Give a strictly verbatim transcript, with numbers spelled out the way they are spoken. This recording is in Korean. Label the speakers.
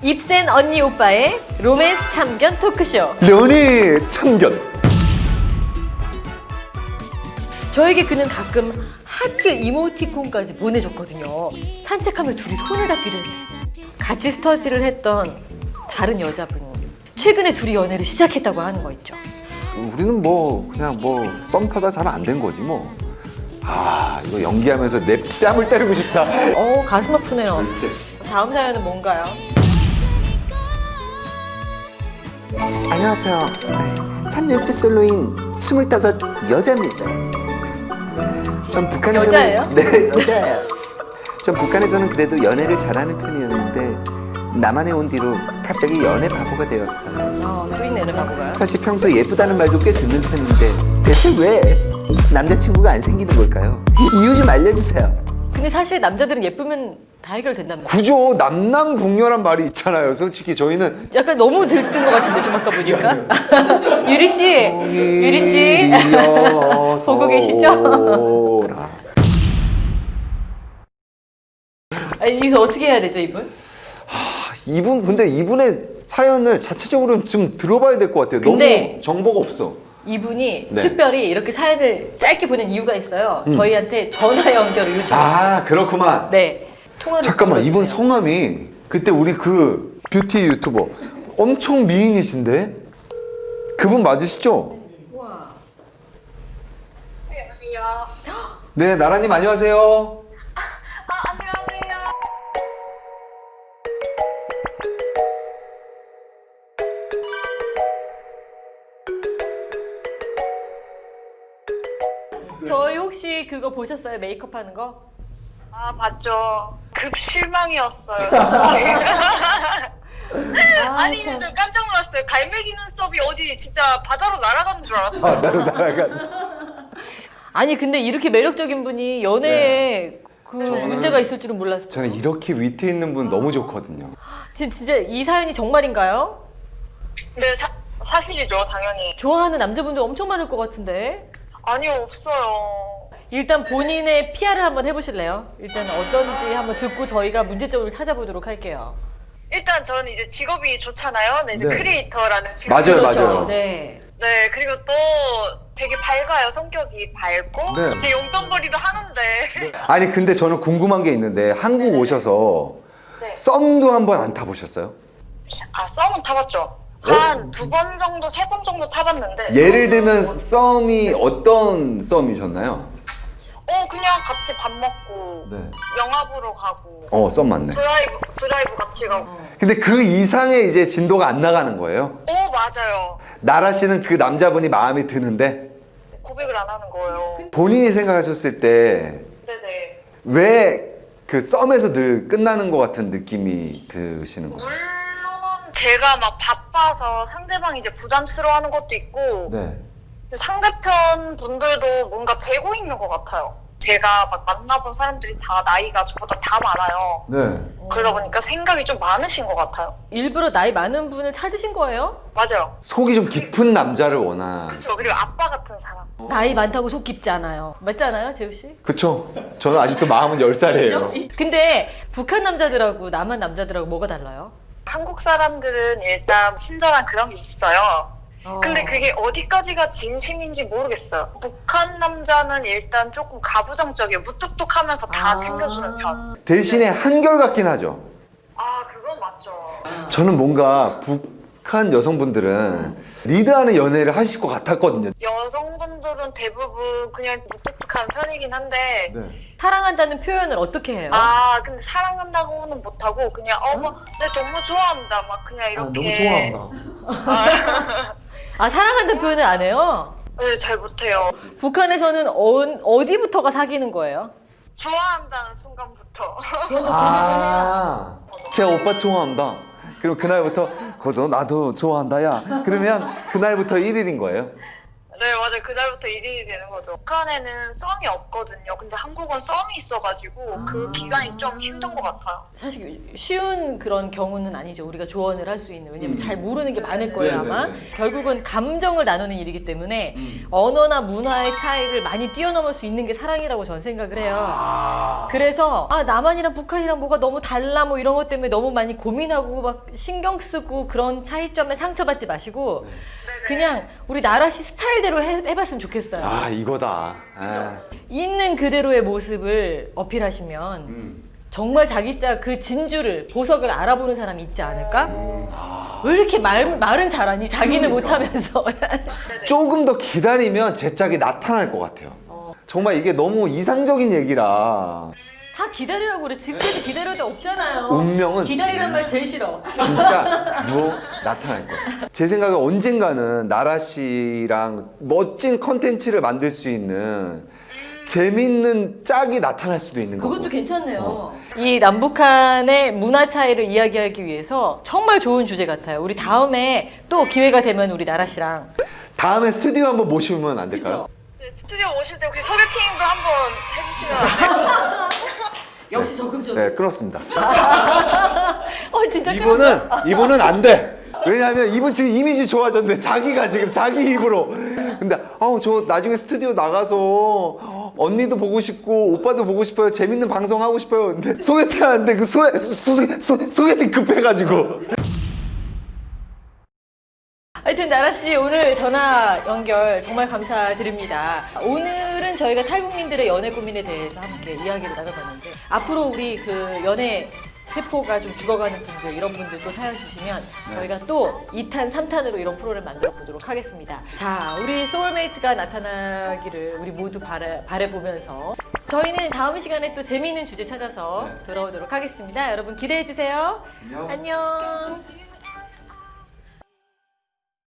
Speaker 1: 입센 언니 오빠의 로맨스 참견 토크쇼.
Speaker 2: 연애 참견.
Speaker 1: 저에게 그는 가끔 하트 이모티콘까지 보내줬거든요. 산책하며 둘이 손을 잡기도 했어요. 같이 스터디를 했던 다른 여자분이 최근에 둘이 연애를 시작했다고 하는 거 있죠.
Speaker 2: 우리는 뭐 그냥 뭐 썸 타다 잘 안 된 거지 뭐. 아 이거 연기하면서 내 뺨을 때리고 싶다.
Speaker 1: 어 가슴 아프네요.
Speaker 2: 절대.
Speaker 1: 다음 사연은 뭔가요?
Speaker 3: 안녕하세요. 삼 년째 솔로인 스물다섯 여자입니다. 전 북한에서는
Speaker 1: 여자예요?
Speaker 3: 네 여자예요. 전 북한에서는 그래도 연애를 잘하는 편이었는데 남한에 온 뒤로 갑자기 연애 바보가 되었어요.
Speaker 1: 어, 또 있네, 연애 바보가요.
Speaker 3: 사실 평소 예쁘다는 말도 꽤 듣는 편인데 대체 왜 남자친구가 안 생기는 걸까요? 이유 좀 알려주세요.
Speaker 1: 근데 사실 남자들은 예쁘면 다 해결된단 말이에요.
Speaker 2: 그죠. 남남북녀란 말이 있잖아요. 솔직히 저희는
Speaker 1: 약간 너무 들뜬 것 같은데 좀 아까 보니까. 유리 씨, 유리 씨 보고 계시죠? 아니, 여기서 어떻게 해야 되죠, 이분?
Speaker 2: 이분 근데 이분의 사연을 자체적으로 좀 들어봐야 될 것 같아요.
Speaker 1: 근데
Speaker 2: 너무 정보가 없어.
Speaker 1: 이분이
Speaker 2: 네.
Speaker 1: 특별히 이렇게 사연을 짧게 보낸 이유가 있어요. 저희한테 전화 연결을 요청.
Speaker 2: 아 그렇구만.
Speaker 1: 네. 통화를
Speaker 2: 잠깐만
Speaker 1: 불러주세요.
Speaker 2: 이분 성함이 그때 우리 그 뷰티 유튜버 엄청 미인이신데 그분 맞으시죠?
Speaker 4: 네, 여보세요.
Speaker 2: 네 나라님 안녕하세요.
Speaker 4: 아, 안녕하세요.
Speaker 1: 저희 혹시 그거 보셨어요? 메이크업 하는 거?
Speaker 4: 아, 봤죠. 급 실망이었어요. 아니, 저 깜짝 놀랐어요. 갈매기 눈썹이 어디 진짜 바다로 날아가는 줄 알았어요.
Speaker 2: 아 나로 나가.
Speaker 1: 아니 근데 이렇게 매력적인 분이 연애에 그
Speaker 2: 저는-
Speaker 1: 문제가 있을 줄은 몰랐어요.
Speaker 2: 저는 이렇게 위트 있는 분 너무 좋거든요.
Speaker 1: 진- 진짜 이 사연이 정말인가요?
Speaker 4: 네, 사, 사실이죠, 당연히.
Speaker 1: 좋아하는 남자분들 엄청 많을 것 같은데.
Speaker 4: 아니요, 없어요.
Speaker 1: 일단 본인의 피아르을 한번 해보실래요? 일단 어떤지 한번 듣고 저희가 문제점을 찾아보도록 할게요.
Speaker 4: 일단 저는 이제 직업이 좋잖아요. 네, 이제
Speaker 2: 네.
Speaker 4: 크리에이터라는 직업.
Speaker 2: 맞아요,
Speaker 1: 그렇죠.
Speaker 2: 맞아요.
Speaker 1: 네.
Speaker 4: 네, 그리고 또 되게 밝아요. 성격이 밝고.
Speaker 2: 네.
Speaker 4: 이제 용돈벌이도 하는데.
Speaker 2: 아니 근데 저는 궁금한 게 있는데 한국 오셔서
Speaker 4: 네.
Speaker 2: 썸도 한번 안 타보셨어요?
Speaker 4: 아, 썸은 타봤죠. 한 두 번 정도, 세 번 정도 타봤는데.
Speaker 2: 예를 들면 썸이 어떤 썸이셨나요?
Speaker 4: 어, 그냥 같이 밥 먹고.
Speaker 2: 네.
Speaker 4: 영화 보러 가고.
Speaker 2: 어 썸 맞네.
Speaker 4: 드라이브, 드라이브 같이 가고.
Speaker 2: 근데 그 이상의 이제 진도가 안 나가는 거예요?
Speaker 4: 오, 맞아요.
Speaker 2: 나라 씨는 그 남자분이 마음에 드는데
Speaker 4: 고백을 안 하는 거예요.
Speaker 2: 본인이 생각하셨을 때 왜
Speaker 4: 네네.
Speaker 2: 그 썸에서 늘 끝나는 것 같은 느낌이 드시는 거예요?
Speaker 4: 물론 제가 막 바빠서 상대방이 이제 부담스러워하는 것도 있고
Speaker 2: 네.
Speaker 4: 상대편 분들도 뭔가 재고 있는 것 같아요. 제가 막 만나본 사람들이 다 나이가 저보다 다 많아요.
Speaker 2: 네.
Speaker 4: 그러다 보니까 생각이 좀 많으신 것 같아요.
Speaker 1: 일부러 나이 많은 분을 찾으신 거예요?
Speaker 4: 맞아요.
Speaker 2: 속이 좀 깊은 남자를 원하.
Speaker 4: 저 그리고 아빠 같은 사람.
Speaker 1: 나이 많다고 속 깊지 않아요. 맞지 않아요, 재우 씨?
Speaker 2: 그쵸? 저는 아직도 마음은 열 살이에요.
Speaker 1: 근데 북한 남자들하고 남한 남자들하고 뭐가 달라요?
Speaker 4: 한국 사람들은 일단 친절한 그런 게 있어요.
Speaker 1: 어.
Speaker 4: 근데 그게 어디까지가 진심인지 모르겠어요. 북한 남자는 일단 조금 가부장적이에요. 무뚝뚝하면서 다
Speaker 1: 아.
Speaker 4: 챙겨주는 편.
Speaker 2: 대신에 한결같긴 하죠.
Speaker 4: 아, 그건 맞죠.
Speaker 2: 저는 뭔가 북한 여성분들은 리드하는 연애를 하실 것 같았거든요.
Speaker 4: 여성분들은 대부분 그냥 무뚝뚝한 편이긴 한데
Speaker 2: 네.
Speaker 1: 사랑한다는 표현을 어떻게 해요?
Speaker 4: 아, 근데 사랑한다고는 못하고 그냥 어머, 내 너무 좋아한다 막 그냥 이렇게.
Speaker 1: 아, 사랑한다는 표현을 안 해요?
Speaker 4: 네, 잘 못해요.
Speaker 1: 북한에서는 어, 어디부터가 사귀는 거예요?
Speaker 4: 좋아한다는 순간부터.
Speaker 2: 아, 제가 오빠 좋아한다. 그럼 그날부터 거기서 나도 좋아한다 야. 그러면 그날부터 일 일인 거예요?
Speaker 4: 네, 맞아요. 그날부터 일 인이 되는 거죠. 북한에는 썸이 없거든요. 근데 한국은 썸이 있어가지고 그 기간이 좀 힘든 것 같아요.
Speaker 1: 사실 쉬운 그런 경우는 아니죠. 우리가 조언을 할 수 있는. 왜냐면 잘 모르는 게 많을 거예요, 아마. 결국은 감정을 나누는 일이기 때문에 언어나 문화의 차이를 많이 뛰어넘을 수 있는 게 사랑이라고 저는 생각을 해요. 그래서 아 남한이랑 북한이랑 뭐가 너무 달라 뭐 이런 것 때문에 너무 많이 고민하고 막 신경 쓰고 그런 차이점에 상처받지 마시고 그냥 우리 나라시 스타일대로 해, 해봤으면 좋겠어요.
Speaker 2: 아 이거다. 아.
Speaker 1: 있는 그대로의 모습을 어필하시면
Speaker 2: 음.
Speaker 1: 정말 자기 짜 그 진주를 보석을 알아보는 사람이 있지 않을까? 왜 이렇게 말, 말은 잘하니? 자기는 못하면서.
Speaker 2: 조금 더 기다리면 제 짝이 나타날 것 같아요. 정말 이게 너무 이상적인 얘기라.
Speaker 1: 다 기다리라고 그래. 지금까지 기다릴 데 없잖아요.
Speaker 2: 운명은
Speaker 1: 기다리란 말 제일 싫어.
Speaker 2: 진짜 뭐 나타날 거예요. 제 생각에 언젠가는 나라 씨랑 멋진 컨텐츠를 만들 수 있는 재밌는 짝이 나타날 수도 있는 거고.
Speaker 1: 그것도 괜찮네요. 이 남북한의 문화 차이를 이야기하기 위해서 정말 좋은 주제 같아요. 우리 다음에 또 기회가 되면 우리 나라 씨랑
Speaker 2: 다음에 스튜디오 한번 모시면 안 될까요?
Speaker 1: 그쵸?
Speaker 4: 네, 스튜디오 오실 때 혹시 소개팅도 한번 해주시면 안 돼요?
Speaker 1: 역시 적극적으로.
Speaker 2: 네, 끊었습니다.
Speaker 1: 어 진짜
Speaker 2: 이분은 이분은 안 돼. 왜냐하면 이분 지금 이미지 좋아졌는데 자기가 지금 자기 입으로. 근데 아우 저 나중에 스튜디오 나가서 언니도 보고 싶고 오빠도 보고 싶어요. 재밌는 방송 하고 싶어요. 근데 소개팅 하는데 그 소개 소, 소, 소개팅 급해가지고.
Speaker 1: 하여튼 나라씨 오늘 전화 연결 정말 감사드립니다. 오늘은 저희가 탈북민들의 연애 고민에 대해서 함께 이야기를 나눠봤는데 앞으로 우리 그 연애 세포가 좀 죽어가는 분들 이런 분들도 사연 주시면 저희가 또 이 탄, 삼 탄으로 이런 프로를 만들어 보도록 하겠습니다. 자, 우리 소울메이트가 나타나기를 우리 모두 바래, 바래보면서 저희는 다음 시간에 또 재미있는 주제 찾아서 돌아오도록 하겠습니다. 여러분 기대해 주세요. 안녕. 안녕.